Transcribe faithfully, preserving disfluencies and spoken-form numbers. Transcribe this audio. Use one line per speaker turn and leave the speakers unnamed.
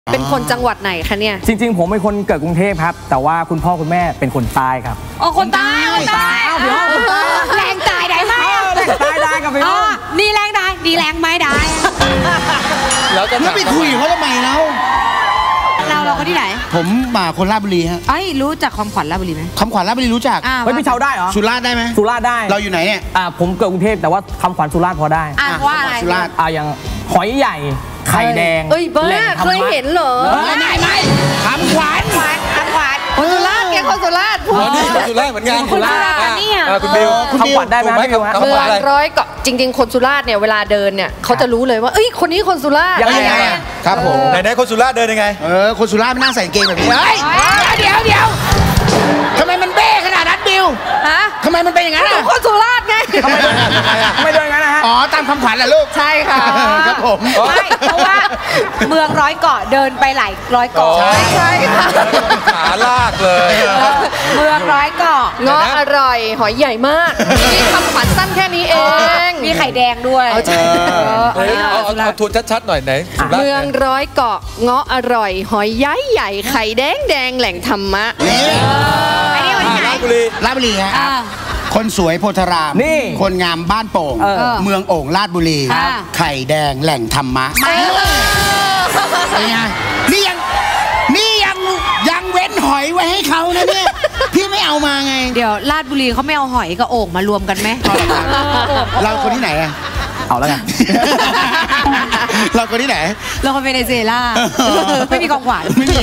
เป็นคนจังหวัดไหนคะเนี่ย
จริงๆผมเป็นคนเกิดกรุงเทพครับแต่ว่าคุณพ่อคุณแม่เป็นคนใต้ครับ
อ๋อคนใต้คนใต้เดี๋ยวแรงตายได้ไหม
แรงตายได้กับพี่น้อง
นี่แรงได้ดีแรงไม่ได้
แล้วจะ
ไปคุยเขาทำไมแล้ว
เราเราคนที่ไหน
ผมมาคนราชบุรีฮะ
ไอ้รู้จักคำขวัญราชบุรีไหม
คำขวัญราชบุรีรู้จัก
เฮ้ยพี่เชาได้เหรอ
สุราษฎร์ได้ไหม
สุราษฎร์ได้
เราอยู่ไหนเนี่ย
อ่าผมเกิดกรุงเทพแต่ว่าคำขวัญสุราษฎร์พอได้
อ่าว่าอะไร
สุราษฎร์
อ่าอย่างหอยใหญ่ไข่แดง
เอ้ยบ้าเคยเห็นเหรอ
ไม่ไม่คำขวัญ
คำขวัญคนสุราษฎร์แกคนสุราษฎร์พูด
นี่คนสุราษฎร์เหมือนกัน
คนสุราษฎร์นี่อ่ะ
คุณบิว
คำขวัญได้ไหมเ
มืองร้อยเกาะจริงๆคนสุราษฎร์เนี่ยเวลาเดินเนี่ยเขาจะรู้เลยว่าเอ้ยคนนี้คนสุราษฎร์
ยังไง
ครับผม
ไหนๆคนสุราษฎร์เดินยังไง
เออคนสุราษฎร์ไม่น่าใส่เกงแบบนี้เฮ้ยเดี๋ยวเดี๋ยวทำไมมันเบ้ขนาดนั้นบิว
ฮะ
ทำไมมันเป็นอย่างนั้น
คนสุราษฎร์ไง
ทำไมไม่เดินงั้นนะฮะ
อ๋อตามคำขวัญแหละลูก
ใช่ค่ะ
ครับผม
ไม่เพราะว่าเมืองร้อยเกาะเดินไปหลายร้อยเกาะใช่ค่ะ
ขาลากเลย
เมืองร้อยเกาะ
เงาะอร่อยหอยใหญ่มากนี่คำขวัญสั้นแค่นี้เอง
มีไข่แดงด้วย
เอาทวนชัดๆหน่อยไหน
เมืองร้อยเกาะเงาะอร่อยหอยใหญ่ใหญ่ไข่แดงแดงแหล่งธรรมะ
อันนี้วันไหน
ราชบุรี
ราชบุรีฮะคนสวยโพธาราม
นี่
คนงามบ้านโป่งเมืองโอ่งราชบุรีไข่แดงแหล่งธรรมะเป็นไงนี่ยังนี่ยังยังเว้นหอยไว้ให้เขานะเนี่ยพี่ไม่เอามาไง
เดี๋ยวราชบุรีเขาไม่เอาหอยกับโอ่งมารวมกันไหม
เราคนที่ไหนอะ
เอาแล้วไง
เราคนที่ไหน
เราคนเวเนซุเอลาไม่มีของขวัญ
ไม่มี